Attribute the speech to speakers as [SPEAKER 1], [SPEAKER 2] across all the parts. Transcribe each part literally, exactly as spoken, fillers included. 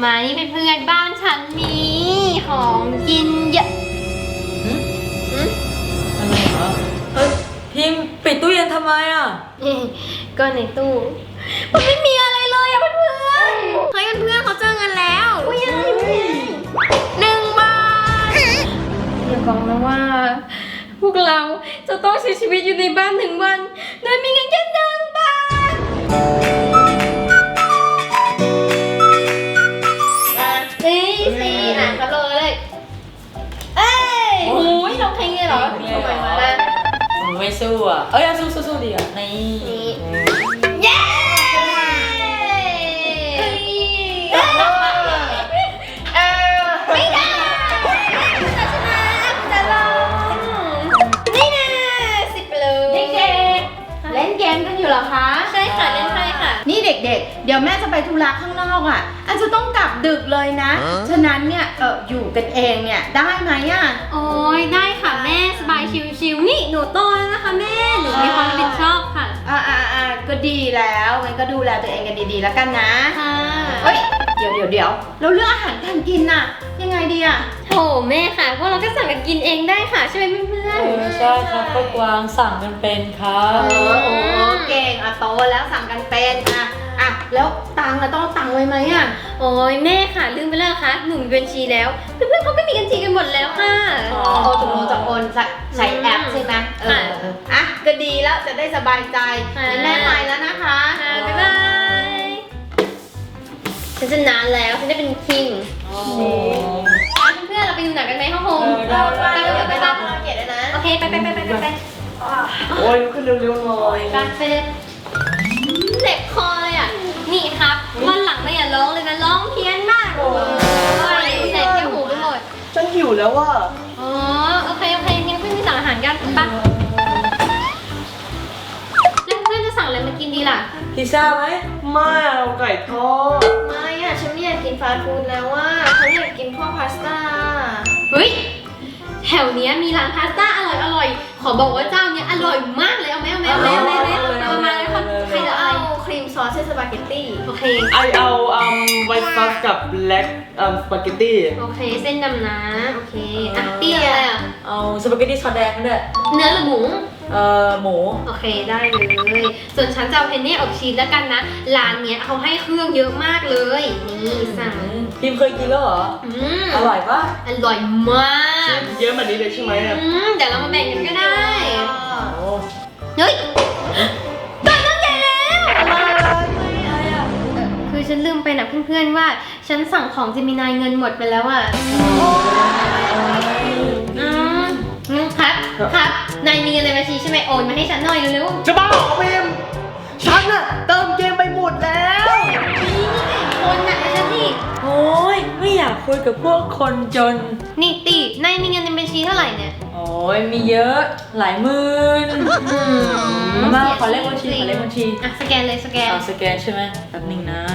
[SPEAKER 1] มานี่เป็นเพื่อนบ้านฉันมีของกินเยอะ
[SPEAKER 2] อะไรเหรอเฮ้ยพิมพ์ปิดตู้เย็นทำไมอ่ะ
[SPEAKER 1] ก็ในตู้มันไม่มีอะไรเลยอะเพื่อนๆเฮ้ยเพื่อนๆเขาเจอเงินแล้วอุ้ยอะไรหนึ่งบาทอย่าบอกนะว่า พวกเราจะต้องใช้ชีวิตอยู่ในบ้านหนึ่งวันโดยมีเงินแค่หนึ่งบาทเฮ้ยสี่หนักกันเลยเอ้ยโอ้ยลงแข่งเลยเหรอทำไมมา
[SPEAKER 2] ไม่สู้อ่ะเอ้ยสู้สู้สู้ดีอ่ะนี่
[SPEAKER 1] เย้ไม่ได้จะชนะจะลงนี่นะสิบเลย
[SPEAKER 3] เด็กๆเล่นเกมกันอยู่เหรอคะ
[SPEAKER 1] ใช่ค่ะเล่นไพ่ค่ะ
[SPEAKER 3] นี่เด็กๆ เดี๋ยวแม่จะไปธุระข้างนอกอ่ะอาจจะต้องกลับดึกเลยนะ ฉะนั้นเนี่ยเอออยู่กันเองเนี่ยได้ไหมอ่ะ
[SPEAKER 1] โอ้ยได้ค่ะแม่สบายชิวๆนี่หนูโตแล้วนะคะแม่หนูมีความรับผิดชอบค่ะ
[SPEAKER 3] อ่าอ่าอ่าก็ดีแล้วงั้นก็ดูแลตัวเองกันดีๆแล้วกันนะ
[SPEAKER 1] ค่ะ
[SPEAKER 3] เฮ้ยเดี๋ยวเดี๋ยวเดี๋ยวแล้วเรื่องอาหารการกินน่ะยังไงดีอ่ะ
[SPEAKER 1] โถแม่ค่ะพวกเราก็สั่งกันกินเองได้ค่ะใช่ไหมเพื่อ
[SPEAKER 2] เอน อใช่ครับก็กวางสั่งกันเป็นครั
[SPEAKER 3] เอบ อโอ้เก่งอ่ะโตแล้วสั่งกันเป็นอ่ะอ่ะแล้วตังค์อะต้องเอาตังค์ไว้ไหมอ่ะ
[SPEAKER 1] ๆโอ้ยแม่ค่ะลืมไปแล้วค่ะหนูมีบัญชีแล้วเพื่อนๆเขาก็มีบัญชีกันหมดแล้วค่ะ
[SPEAKER 3] อ๋อโอ้ตกลงจะโอนใช้แอปใช่ไหมเออเอออ่ะก็ดีแล้วจะได้สบายใจงั้นแม่ไปแล้วนะคะ
[SPEAKER 1] ค่ะบ๊ายบายฉันจะนานแล้วฉันได้เป็นคิง
[SPEAKER 2] โอ้
[SPEAKER 1] เพื่อนๆเราไปดูหนังกันไหมห้องโฮม
[SPEAKER 2] เออได้ได้
[SPEAKER 1] ไปไปไปไป
[SPEAKER 3] เกียรตินะ
[SPEAKER 1] โอเคไปไปไปไปไปไป
[SPEAKER 2] โอ้ยลุกขึ้นเร็วๆหน่อย
[SPEAKER 1] ไปไปเจ็บคอเลยอ่ะนี่ครับวันหลังเราอย่าร้องเลยนะร้องเพี้ยนมากเลยแสบแก้วหูไปหมด
[SPEAKER 2] ฉันหิวแล้วว่ะ
[SPEAKER 1] อ๋อโอเคโอเคงั้นเพื่อนไปสั่งอาหารกันไปแล้วเพื่อนจะสั่งอะไรมากินดีล่ะ
[SPEAKER 2] พิซซ่าไหมไม่เอาไก่ทอด
[SPEAKER 3] ไม่อ่ะฉันไม่อยากกินฟาสต์ฟู้ดแล้วว่าฉันอยากกินพวกพาสต้า
[SPEAKER 1] เฮ้ยแถวเนี้ยมีร้านพาสต้าอร่อยอร่อยขอบอกว่าเจ้าเนี้ยอร่อยมากเลยเอาไหมเอาไหมเอาไหมเอาไหมเอาไหมเอามาเลยคนใครจะอะไร
[SPEAKER 3] ครีมซอสเส้นสปาเกตตี้
[SPEAKER 1] โอเค
[SPEAKER 4] ไอเอาอืมไวท์ซอสกับแบล็กอืมสปาเกตตี้
[SPEAKER 1] โอเคเส้นดำนะโอเคอ่ะเตี้ยอะไรอ่ะ
[SPEAKER 2] เอาสปาเกตตี้ซอสแดงก็ได้
[SPEAKER 1] เนื้อหรือหมู
[SPEAKER 2] เอ่อหมู
[SPEAKER 1] โอเคได้เลย ส่วนฉันจะเอาเพนเน่อบชีสแล้วกันนะ ร้านเนี้ยเขาให้เครื่องเยอะมากเลย นี่สั่ง
[SPEAKER 2] พิมพ์เคยกินแล้วเหรอ
[SPEAKER 1] อืม
[SPEAKER 2] อร่อยปะ
[SPEAKER 1] อร่อยมาก
[SPEAKER 4] เยอะแบบนี้เลยใช่ไหมอะ
[SPEAKER 1] อืมเดี๋ยวเรามาแบ่งกันก็ได้
[SPEAKER 2] โอ้
[SPEAKER 1] เฮ้ยตัวต้องใหญ่แล้ว
[SPEAKER 2] อะไรอ่ะ
[SPEAKER 1] เออคือฉันลืมไปนะเพื่อนๆว่า ฉันสั่งของเจมินายเงินหมดไปแล้วอ่ะอืมอืมครับ ครับ นายมีเงินในบัญชีใช่ไหมโอนมาให้ฉันหน่อยเร็วๆ
[SPEAKER 4] จะบ้าเหรอพิมฉันอะเติมเกมไปหมดแล้ว
[SPEAKER 1] คนน่ะไอ้ฉันนี่
[SPEAKER 2] โอ้ยไม่อยากคุยกับพวกคนจน
[SPEAKER 1] นี่ตีนายมีเงินในบัญชีเท่าไหร่เนี่ย
[SPEAKER 2] โอ้ยมีเยอะหลายหมื่นมาขอเลขบัญชีขอเลขบัญชี
[SPEAKER 1] อ่ะสแกนเลยสแกน
[SPEAKER 2] เอาสแกนใช่ไหมแป๊บนึงนะ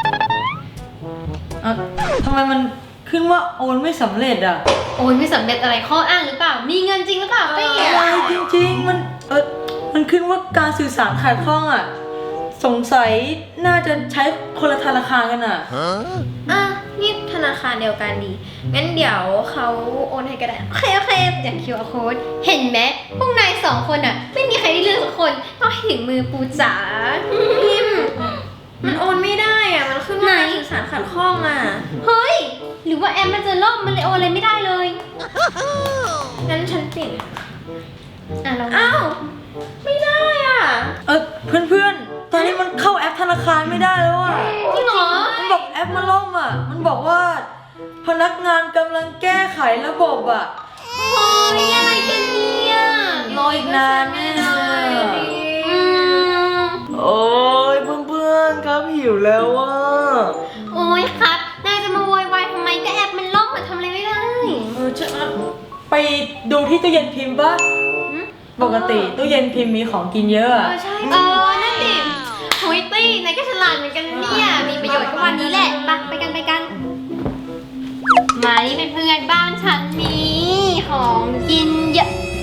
[SPEAKER 2] อ่ะทำไมมันขึ้นว่าโอนไม่สำเร็จอ่ะ
[SPEAKER 1] โอนไม่สำเร็จอะไรข้ออ้างหรือเปล่า มีเงินจริงหรือเปล่าตี
[SPEAKER 2] อะไรจริงๆมันเออมันขึ้นว่าการสื่อสารขาดข้องอ่ะสงสัยน่าจะใช้คนละธนาคารกันอ่ะ
[SPEAKER 3] อ่ะนี่ธนาคารเดียวกันดี งั้นเดี๋ยวเขาโอนให้ก็ได้
[SPEAKER 1] โอเคโอเคอย่าง คิว อาร์ code เห็นไหมพวกนายสองคนอ่ะ ไม่มีใครได้เลือกสักคนต้องให้ถึงมือปูจ๋า
[SPEAKER 3] พิมพ์มันโอนไม่ได้อ่ะ มันขึ้นว่า
[SPEAKER 1] ไหน
[SPEAKER 3] การสื่อสารขัดข้องอ่ะ
[SPEAKER 1] เฮ้ย หรือว่าแอมมันจะล่มมันเลยโอนอะไรไม่ได้เลย
[SPEAKER 3] งั้นฉันเปลี่ยน
[SPEAKER 1] อ่ะลอง
[SPEAKER 3] อ้าว ไม่ได้อ่ะ
[SPEAKER 2] เออเพื่อนๆ ตอนนี้มันเข้าแอปธนาคารไม่ได้แล้วอ่ะ
[SPEAKER 1] จริงเหรอ
[SPEAKER 2] มันบอกแอปมันล่มอ่ะ มันบอกว่า พนักงานกำลังแก้ไขระบบอ่ะ
[SPEAKER 1] โอ้ยอะไรกันเนี่ย
[SPEAKER 2] รออีกนานแน่เลย
[SPEAKER 1] อืม
[SPEAKER 4] โอ้ยเพื่อนๆครับหิวแล้วว่ะ
[SPEAKER 1] โอ้ยครับ นายจะมาโวยวายทำไมก็แอปมันล่มมันทำอะไรไม่ได้
[SPEAKER 2] เออจะไปดูที่ตู้เย็นพิมพ์ป่ะ ปกติตู้เย็นพิมพ์มีของกินเยอะอะ
[SPEAKER 3] เออใช่
[SPEAKER 1] เออ นั่นดิโฮ้ยตี้นายก็ฉลาดเหมือนกันเนี่ย มีประโยชน์ก็วันนี้แหละไปไปกันไปกัน มานี่เป็นเพื่อนบ้านฉันมีของกินเยอะ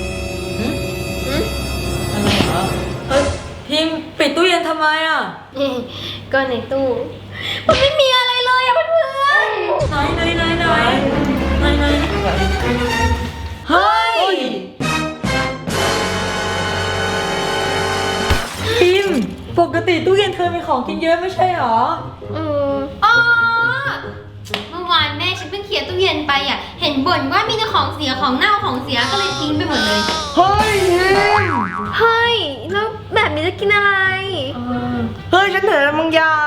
[SPEAKER 2] อะไรเหรอเฮ้ยพิมพ์ปิดตู้เย็นทำไมอ่ะ
[SPEAKER 1] ก็ในตู้ มันไม่มีอะไรเลยอะเพื่อน
[SPEAKER 2] กติตู้เย็นเธอมีของกินเยอะไม่ใช่หรอ
[SPEAKER 1] เอออ๋อเมื่อวานแม่ฉันเพิ่งเคลียร์ตู้เย็นไปอ่ะ เห็นบ่นว่ามีแต่ของเสียของเน่าของเสียก็เลยทิ้งไปหมดเลย
[SPEAKER 4] เฮ้ยเฮ้ย
[SPEAKER 1] เฮ้ย แล้วแบบนี้จะกินอะไร
[SPEAKER 4] เฮ้ยฉันเห็นอะไรบางอย่าง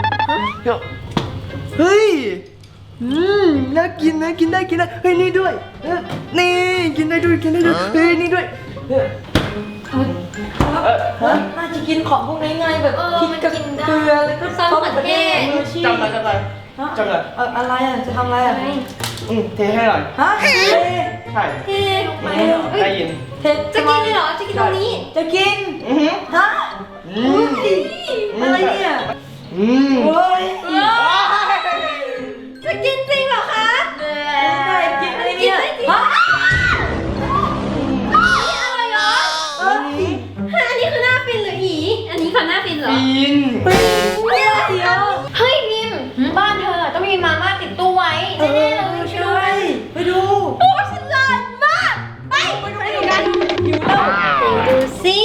[SPEAKER 4] เฮ้ยอืมน่ากินนะกินได้กินได้เฮ้ยนี่ด้วยเออนี่กินได้ด้วยกินได้ด้วยเฮ้ยนี่ด้วยเออเออฮะ
[SPEAKER 2] น่าจะกินของพวกนี้ไงแบบ
[SPEAKER 1] เออ
[SPEAKER 2] พริก
[SPEAKER 1] มัน
[SPEAKER 2] กับ
[SPEAKER 1] กินได้
[SPEAKER 2] เกลือแล้วก็
[SPEAKER 1] ซอสมะเขือเทศ
[SPEAKER 2] มืออาชีพ
[SPEAKER 4] จำอะไรจำอะไร
[SPEAKER 2] ฮะ
[SPEAKER 4] จำอะไร
[SPEAKER 2] เอออะไรอ่ะจะทำอะไรอ่ะ
[SPEAKER 4] อืมเทให้หน่อย
[SPEAKER 2] ฮะเท
[SPEAKER 4] ใช่
[SPEAKER 1] เทลงไป
[SPEAKER 4] ได้ยิน
[SPEAKER 2] เท
[SPEAKER 1] จะกินเลยเหรอ จะกินตรงนี้
[SPEAKER 2] จะกิน
[SPEAKER 4] อือหือ
[SPEAKER 2] ฮะ
[SPEAKER 4] อืม
[SPEAKER 2] อะไรเนี่ย
[SPEAKER 4] อืม
[SPEAKER 2] โอ้ย
[SPEAKER 1] จะกินจริงเหรอคะ
[SPEAKER 2] ได้กินอะไรเนี่ย
[SPEAKER 1] กินได้จริง
[SPEAKER 2] ฮะ
[SPEAKER 1] อะไรเหรอ
[SPEAKER 2] เอ้ย
[SPEAKER 1] ฮะอันนี้คือหน้าฟินหรืออี อันนี้คือหน้าฟินเหรอ
[SPEAKER 4] ปีน
[SPEAKER 2] เฮ้ยเดี๋ยวเดี๋ยว
[SPEAKER 1] เฮ้ยพิมบ้านเธอต้องมีมาม่าติดตู้ไว้
[SPEAKER 2] เอ
[SPEAKER 1] แน่
[SPEAKER 2] อ
[SPEAKER 1] ๆเลย
[SPEAKER 2] ใช่ไปดู
[SPEAKER 1] โอ้ฉลาดมาก ไปไปดูกัน
[SPEAKER 2] หิวแล้ว
[SPEAKER 1] ดูสิ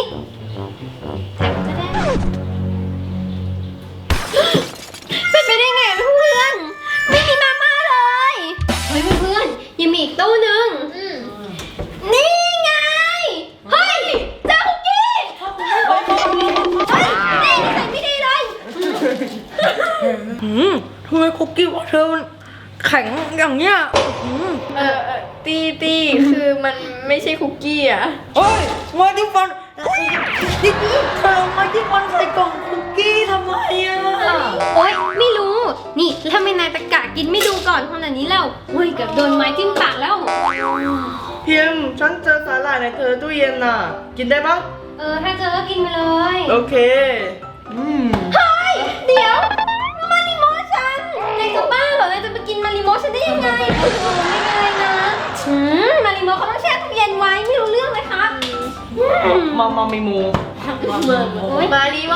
[SPEAKER 1] เป็นไปได้ไงเพื่อนๆไม่มีมาม่าเลย เฮ้ยเพื่อนๆยังมีอีกตู้หนึ่งนี่ไง เฮ้ยเจ้าคุกกี้ เฮ้ยนี่นิสัยไม่ดีเลย
[SPEAKER 2] หืมทำไมคุกกี้ของเธอมันแข็งอย่างเนี้ยหืม
[SPEAKER 1] เออเออตีตีคือมันไม่ใช่คุกกี้อ่ะ
[SPEAKER 2] โอ้ยมาที่ฟันนี่เธอมาที่ฟันใส่กล่องคุกกี้ทำไมอ่ะ
[SPEAKER 1] โอ๊ยไม่รู้ นี่แล้วทำไมนายตะกะกินไม่ดูก่อนขนาดนี้แล้วเฮ้ยเกับโดนไม้จิ้มปากแล้ว
[SPEAKER 4] พิมพ์ฉันเจอสาหร่ายในเธอตู้เย็นน่ะ กินได้ปะ
[SPEAKER 1] เออถ้าเจอก็กินไปเลย
[SPEAKER 4] โอเค อืม
[SPEAKER 1] เฮ้ยเดี๋ยวมาริโมฉันนายจะบ้าเหรอนายจะไปกินมาริโมฉันได้ยังไงโอ้โหไม่เป็นไรนะอืมมาริโมเขาต้องแช่ตู้เย็นไว้ไม่รู้เรื่องเลยครับอืม
[SPEAKER 4] มามามีมู
[SPEAKER 1] โอ๊ยมาริโม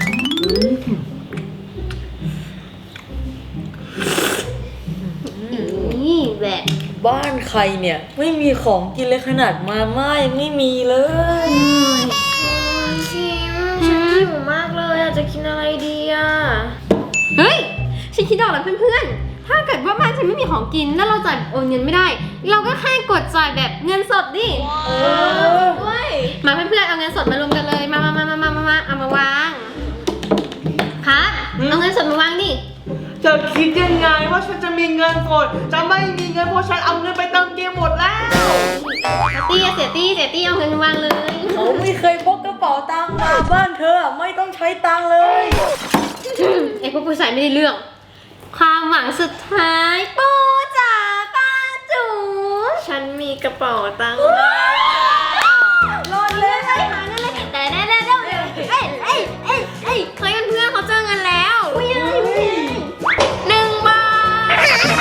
[SPEAKER 1] นี่แบบ
[SPEAKER 2] บ้านใครเนี่ยไม่มีของกินเลยขนาดมาม่ายังไม่มีเลย
[SPEAKER 1] ชิมฉันหิวมากเลยอะจะกินอะไรดีอะเฮ้ยฉันคิดออกแล้วเพื่อนๆ ถ้าเกิดว่าบ้านฉันไม่มีของกินแล้วเราจ่ายโอนเงินไม่ได้ เราก็แค่กดจ่ายแบบเงินสดดิเออด้วยมาเพื่อนๆเอาเงินสดมารวมกันเลยมามามามามามามาเอามาวางครับเอาเงินสดมาวางดิ
[SPEAKER 4] เธอคิดยังไงว่าฉันจะมีเงินสดจะไม่มีเงินเพราะฉันเอาเงินไปเติมเกมหมดแล้ว
[SPEAKER 1] เสียตี้เสียตี้เสียตี้เอาเงินมาวางเลย
[SPEAKER 2] เขาไม่เคยพกกระเป๋าตังค์มาบ้านเธอไม่ต้องใช้ตังค์เลย
[SPEAKER 1] ไอ้พวกผู้ชายไม่ได้เรื่อง ความหวังสุดท้ายปูจ๋าป้าจูฉันมีกระเป๋าตังค์
[SPEAKER 2] รอดเลย
[SPEAKER 1] ไปหาเงินเลยแต่แน่ๆเดี๋ยวเอ้ยเอ้ยเอ้ยเอ้ยเคยเพื่อนๆเขาเจอเงินแล้วอุ้ยอะไรหนึ่งบาท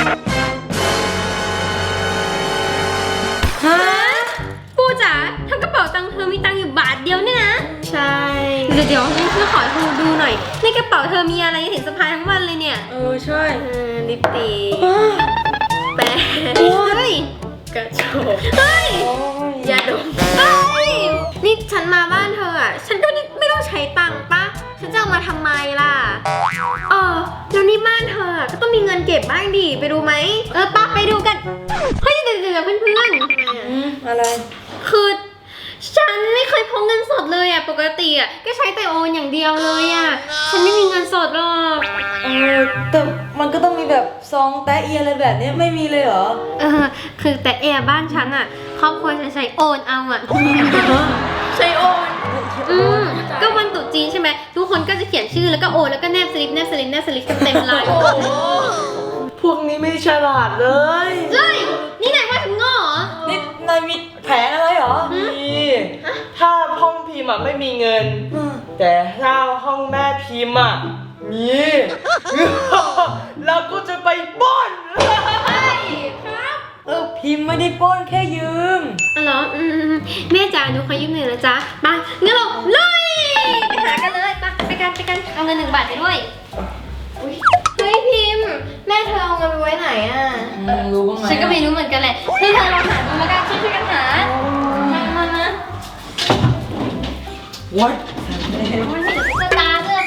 [SPEAKER 2] ฮะ
[SPEAKER 1] ปูจ๋าทั้งกระเป๋าตังค์เธอมีตังค์อยู่บาทเดียวเนี่ยนะใช่เดี๋ยวเดี๋ยวให้เพื่อนขอเธอดูหน่อยในกระเป๋าเธอมีอะไรเห็นสะพายทั้งวันเลยเนี่ย
[SPEAKER 2] เออใช่
[SPEAKER 1] เออลิปสติก
[SPEAKER 2] อ้าว
[SPEAKER 1] แป้งเฮ้ยกระโจกเฮ้ย
[SPEAKER 2] โอ้ย
[SPEAKER 1] ยาดมเฮ้ยนี่ฉันมาบ้านเธออ่ะ ฉันก็ไม่ต้องใช้ตังค์ปะฉันจะเอามาทำไมล่ะ เออแล้วนี่บ้านเธออะก็ต้องมีเงินเก็บบ้างดิ ไปดูไหม เออป้าไปดูกัน เฮ้ยเดี๋ยวเดี๋ยวเพื่อนเพื่อน
[SPEAKER 2] อืมอะไร
[SPEAKER 1] ๆคือ ฉันไม่เคยพกเงินสดเลยอ่ะ ปกติอ่ะก็ใช้แต่โอนอย่างเดียวเลยอ่ะ ฉันไม่มีเงินสดหรอก
[SPEAKER 2] เออแต่มันก็ต้องมีแบบซองแตะเอียอะไรแบบเนี้ยไม่มีเลยเหรอ
[SPEAKER 1] เออ คือแต่แอร์บ้านฉันอ่ะ ครอบครัวฉันใช้โอนเอาอ่ะ
[SPEAKER 2] ใช่โอน
[SPEAKER 1] อืมก็วันตรุษจีนใช่ไหมทุกคนก็จะเขียนชื่อแล้วก็โอนแล้วก็แนบสลิปแนบสลิปแนบสลิปกันเต็มลาย
[SPEAKER 4] พวกนี้ไม่ฉลาดเลย
[SPEAKER 1] เฮ้ยนี่นายว่าฉันโง่เหรอ
[SPEAKER 2] นี่นายมีแผนอะไรเหรอ
[SPEAKER 4] นี่ถ้าห้องพิมพ์อะไม่มีเงิน
[SPEAKER 2] อืม
[SPEAKER 4] แต่ถ้าห้องแม่พิมพ์อะมี เราก็จะไปปล้น
[SPEAKER 1] ครับ
[SPEAKER 2] เออพิมพ์ไม่ได้ปล้นแค่ยืม
[SPEAKER 1] อ๋อเหรออืมแม่จ๋าหนูขอยืมหน่อยนะจ๊ะไปงั้นเราเลยไปหากันเลยไปไปกันไปกันเอาเงินหนึ่งบาทไปด้วยอุ๊ยเฮ้ยพิมพ์แม่เธอเอาเงินไปไว้ไหนอ่ะ
[SPEAKER 2] อืมรู้บ้างไหม
[SPEAKER 1] ฉันก็ไม่รู้เหมือนกันแหละเพื่อนเธอลองหาดูแล้วกันช่วยๆกันหามามามา
[SPEAKER 2] วัด
[SPEAKER 1] มันมีแต่ตุ๊กตาด้วย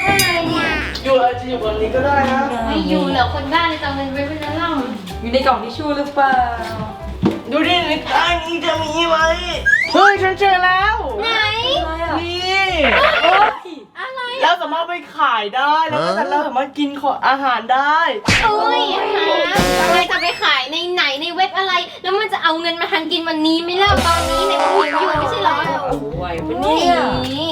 [SPEAKER 4] อยู่บนนี้ก็ได้นะ
[SPEAKER 1] ไม่อยู่เหรอคนบ้าเลยจะเอาเงินไว้เป็นเล่า
[SPEAKER 2] อยู่ในกล่องทิชชู่หรือเปล่า
[SPEAKER 4] ดูดิในใต้นี้จะมีไหมเฮ้ยฉันเจอแล้ว
[SPEAKER 1] ไหน
[SPEAKER 2] อะไรอ่ะ
[SPEAKER 4] นี่
[SPEAKER 2] โอ๊ย
[SPEAKER 1] อะไร
[SPEAKER 4] เราสามารถไปขายได้แล้วก็เราสามารถกินของอาหารได้
[SPEAKER 1] โอ้ยค่ะอะไรจะไปขายในไหนในเว็บอะไร แล้วมันจะเอาเงินมาทันกินวันนี้ไหม่เล่าตอนนี้เนี่ยมันหิวอยู่ไม่ใช่เหรอ
[SPEAKER 2] โอ้ไหวปะเนี่ย
[SPEAKER 1] นี่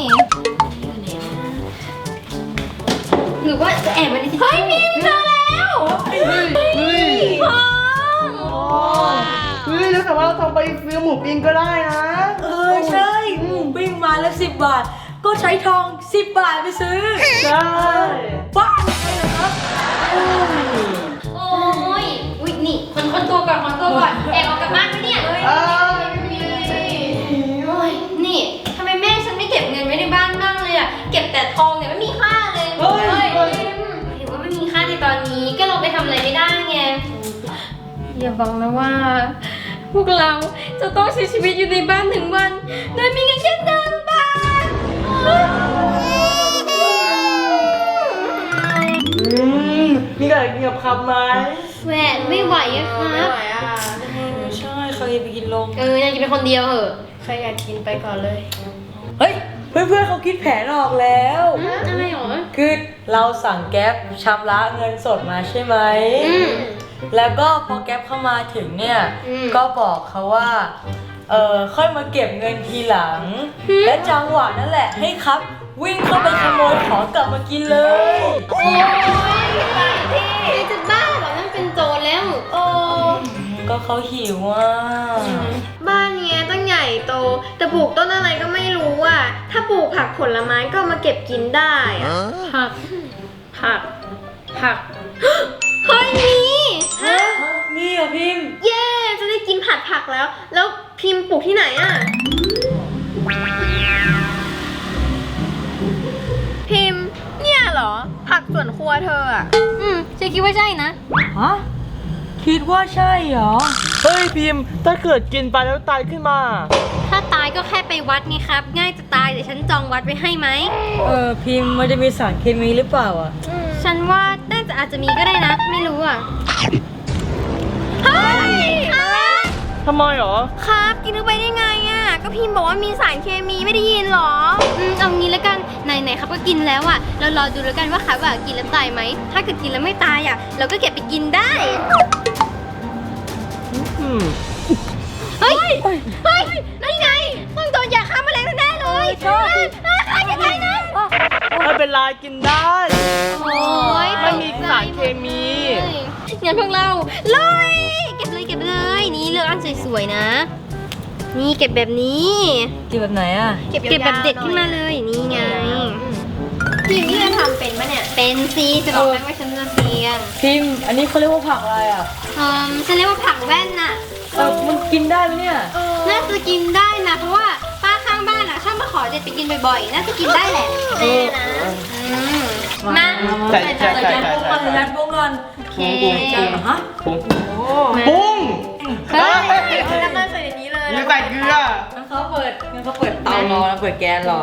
[SPEAKER 1] หรือว่าจะแอบมาในที่เฮ้ยพิมพ์เจอแล้ว
[SPEAKER 4] เฮ้ยเฮ้ย
[SPEAKER 1] ทอง
[SPEAKER 4] เฮ้ยแล้วแต่ว่าเราทำไปซื้อหมูปิ้งก็ได้นะ
[SPEAKER 2] เออใช่หมูปิ้งมาแล้วสิบบาท ก็ใช้ทองสิบบาทไปซื้อ
[SPEAKER 4] ใช่
[SPEAKER 2] บ้าใช่เหรอครับ
[SPEAKER 1] โอ้ยอุ้ยนี่คนคนตัวก่อนคนตัวก่อนแอบออกจากบ้านไปเนี่ย
[SPEAKER 4] เอ้ย
[SPEAKER 1] โอ้ยนี่ทำไมแม่ฉันไม่เก็บเงินไว้ในบ้านบ้างเลยอ่ะเก็บแต่ทองเนี่ยไม่มีค่าเลย
[SPEAKER 4] เฮ้ย
[SPEAKER 1] เห็นว่าไม่มีค่าในตอนนี้ก็เราไปทำอะไรไม่ได้ไงอย่าบอกนะว่า พวกเราจะต้องใช้ชีวิตอยู่ในบ้านหนึ่งวันโดยมีเงินแค่หนึ่งบาท
[SPEAKER 4] อืมมีอะไรกินกับครับไหม
[SPEAKER 1] แหวนไม่ไหวอะครับ
[SPEAKER 2] ใช่ใครไปกินลง
[SPEAKER 1] เอออยากกินเป็นคนเดียวเหอะ
[SPEAKER 3] ใครอยากกินไปก่อนเลย
[SPEAKER 2] เฮ้ย เพื่อนๆเขาคิดแผนออกแล้ว
[SPEAKER 1] อืมอะไรหรอ
[SPEAKER 2] คือเราสั่งแก๊ปชำระเงินสดมาใช่ไหม
[SPEAKER 1] อืม
[SPEAKER 2] แล้วก็พอแก๊ปเข้ามาถึงเนี่ย
[SPEAKER 1] อืม
[SPEAKER 2] ก็บอกเขาว่า เออค่อยมาเก็บเงินทีหลัง
[SPEAKER 1] อืม
[SPEAKER 2] และจังหวะนั่นแหละให้ครับ วิ่งเข้าไปขโมยของกลับมากินเลย
[SPEAKER 1] โอ้ยไปที่จะบ้าเหรอนั่นเป็นโจรแล้วโอ้
[SPEAKER 2] ก็เขาหิวอ่ะ
[SPEAKER 1] บ้านเนี้ยตั้งใหญ่โต แต่ปลูกต้นอะไรก็ไม่รู้อ่ะ ถ้าปลูกผักผลไม้ก็เอามาเก็บกินได้อะผัก ผัก ผัก เฮ้ยมีฮะ
[SPEAKER 2] นี่อ่ะพิมพ์
[SPEAKER 1] เย้จะได้กินผัดผักแล้ว แล้วพิมพ์ปลูกที่ไหนอ่ะ พิมพ์ เนี่ยเหรอ ผักสวนครัวเธออ่ะ อืมฉันคิดว่าใช่นะ
[SPEAKER 2] ฮะ คิดว่าใช่เหรอ
[SPEAKER 4] เฮ้ยพิมพ์ถ้าเกิดกินไปแล้วตายขึ้นมา
[SPEAKER 1] ถ้าตายก็แค่ไปวัดไงครับ ง่ายจะตายเดี๋ยวฉันจองวัดไว้ให้ไหม
[SPEAKER 2] เออพิมพ์มันจะมีสารเคมีหรือเปล่าอ่ะ
[SPEAKER 1] ฉันว่าน่าจะอาจจะมีก็ได้นะ ไม่รู้อ่ะ เฮ้ยครับ
[SPEAKER 4] ทำไมหรอ
[SPEAKER 1] ครับกินเข้าไปได้ไงอ่ะ ก็พิมพ์บอกว่ามีสารเคมีไม่ได้ยินหรอ อืมเอางี้แล้วกัน ไหนๆครับก็กินแล้วอ่ะ เรารอดูแล้วกันว่าครับอ่ะกินแล้วตายไหม ถ้าเกิดกินแล้วไม่ตายอ่ะ เราก็เก็บไปกินได้
[SPEAKER 4] อืม
[SPEAKER 1] เฮ้ย เฮ้ย นั่นไงต้องโดนยาฆ่าแมลงแน่ๆเลยใช่ใช่ยังไงนะ
[SPEAKER 4] ไม่เป็นไรกินได้
[SPEAKER 1] โอ้ย
[SPEAKER 4] ไม่มีสารเคมี
[SPEAKER 1] งั้นพวกเราเลยเก็บเลยเก็บเลย นี่เลือกอันสวยๆนะ นี่เก็บแบบนี้
[SPEAKER 2] กินแบบไหนอ่ะ
[SPEAKER 1] เก็บเก็บแบบเด็ดขึ้นมาเลย นี่ไงทีมนี่จะทำเป็นปะเนี่ย เป็นซีจะบอกให้ว่าฉันจะเซียน
[SPEAKER 2] พิมพ์ อันนี้เขาเรียกว่าผักอะไรอ่ะ
[SPEAKER 1] เอ่อฉันเรียกว่าผักแว่นน่ะ
[SPEAKER 2] เออมันกินได้ไหมเนี่ย
[SPEAKER 1] น่าจะกินได้นะ เพราะว่าป้าข้างบ้านอ่ะชอบมาขอเด็ดไปกินบ่อยๆ น่าจะกินได้แหละแน่นะอืมมา
[SPEAKER 4] ใส่ใส่
[SPEAKER 2] ใส่
[SPEAKER 4] ใส่
[SPEAKER 2] จาน
[SPEAKER 4] ใส่
[SPEAKER 2] พวกก่อนใส่จานพวกก่อน
[SPEAKER 1] โอเค
[SPEAKER 2] ฮะ
[SPEAKER 4] ปุ้ง
[SPEAKER 1] มา
[SPEAKER 4] ปุ้ง
[SPEAKER 1] เฮ้ย
[SPEAKER 3] เอาน้ำมันใส่ในนี้เลย
[SPEAKER 4] อย่าใส่เกลือ
[SPEAKER 2] งั้นเขาเปิดงั้นเขาเปิดเตารอแล้วเปิดแก๊สรอ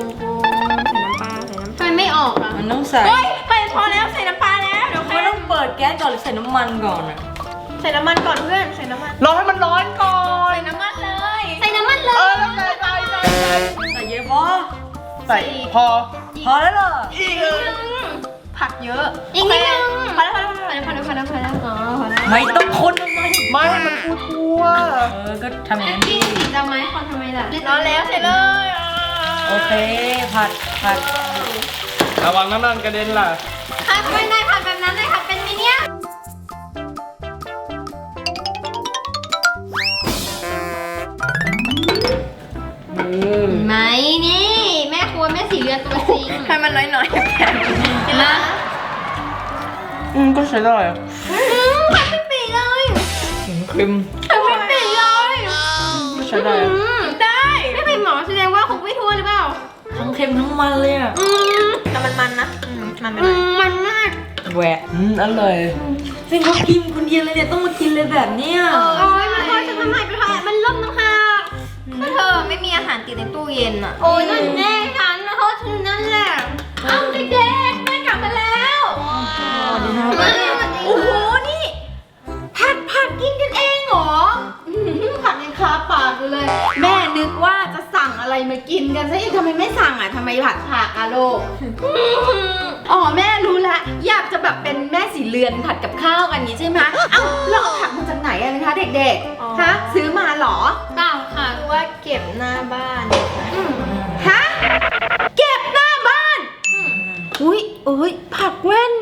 [SPEAKER 1] ทำไมไม่ออกอ่ะ
[SPEAKER 2] มันต้องใส่
[SPEAKER 3] เฮ้ยไปพอแล้วใส่น้ำปลาแล้ว เดี๋ยว
[SPEAKER 2] มันต้องเปิดแก๊สก่อนหรือใส่น้ำมันก่อนอ่ะ
[SPEAKER 3] ใส่น้ำมันก่อนเพื่อน ใส่น้ำมัน
[SPEAKER 4] รอให้มันร้อนก่อน
[SPEAKER 3] ใส่น้ำมันเลย
[SPEAKER 1] ใส่น้ำมันเล
[SPEAKER 4] เออย แล้วใส่ใส่ใส่ใส่
[SPEAKER 2] ใส่เยอะพอ
[SPEAKER 4] ใส่พอ
[SPEAKER 2] พอแล้วเหรอ
[SPEAKER 4] อีกเออ
[SPEAKER 3] ผักเยอะ
[SPEAKER 1] อีกนิดนึง
[SPEAKER 3] พอแล้วพอแล้วพอแล้วพอแล้วพอแล้วพอแล้วอ๋อพอแล้ว
[SPEAKER 2] ไม่ต้องคนทำไม
[SPEAKER 4] ไม่ให้มันทั่ว
[SPEAKER 2] เออ ก็ทำอย่างนั้น
[SPEAKER 1] กิ
[SPEAKER 2] ดิ
[SPEAKER 1] นสีดำไหมคนทำไมล่ะ
[SPEAKER 3] ร้อนแล้วใส่เลยอ่ะ
[SPEAKER 2] โอเค ผัด ผัด
[SPEAKER 4] ๆระวังน้ำมันกระเด็นล่ะ
[SPEAKER 1] ค่ะไม่ได้ผัดแบบนั้นเลยค่ะเป็นมิเนี่ยไหมนี่ แม่ครัวแม่สีเรือนตัวจริง
[SPEAKER 3] ให้มันน้อยๆแค่
[SPEAKER 1] เห็นไหม
[SPEAKER 4] อืมก็ใช้ได้
[SPEAKER 1] อืมผัดเป็นปีเลย
[SPEAKER 2] เค็ม
[SPEAKER 1] ผัดเป็นปีเลย
[SPEAKER 4] ก็ใช้ได้
[SPEAKER 1] อืมได้ไม่เป็นหมอแสดงว่าคงไม่ทั่วหรือเปล่า
[SPEAKER 2] ทั้งเค็มทั้งมันเลยอ่ะ
[SPEAKER 1] อืม
[SPEAKER 3] แต่มันมันนะอืมมันไม่
[SPEAKER 1] อื
[SPEAKER 3] มัน
[SPEAKER 1] มมันมาก
[SPEAKER 2] แหวะอืมอร่อยซึ่งเขากินคนเดียวเลยเนี่ยต้องมากินเลยแบบเนี้ย
[SPEAKER 1] โอ้ยมันพอจะทำไมไปทำไมมันล่มน้ำหัก
[SPEAKER 3] ก็เธอไม่มีอาหารติดในตู้เย็นอ่ะ
[SPEAKER 1] โอ้ยนั่นแน่ฉันนะโทษฉันนั่นแหละเอ้าเด็กๆแม่กลับมาแล้ว
[SPEAKER 3] โอ้โหนี่ผัดผักกินกันเองเหรออื้อหือผักยังคาปากอยู่เลย แม่นึกว่าจะสั่งอะไรมากินกันซะอีกทำไมไม่สั่งอ่ะทำไมผัดผักอะลูกอ๋อแม่รู้ละอยากจะแบบเป็นแม่สีเรือนผัดกับข้าวกันนี้ใช่ไหมเอ้าแล้วเอาผักมาจากไหนอะนะคะเด็กๆฮะซื้อมาเหรอ
[SPEAKER 1] เปล่าค่ะคือว่าเก็บหน้าบ้านค่ะ
[SPEAKER 3] ฮะเก็บหน้าบ้าน อุ้ยอุ้ยผักแว่น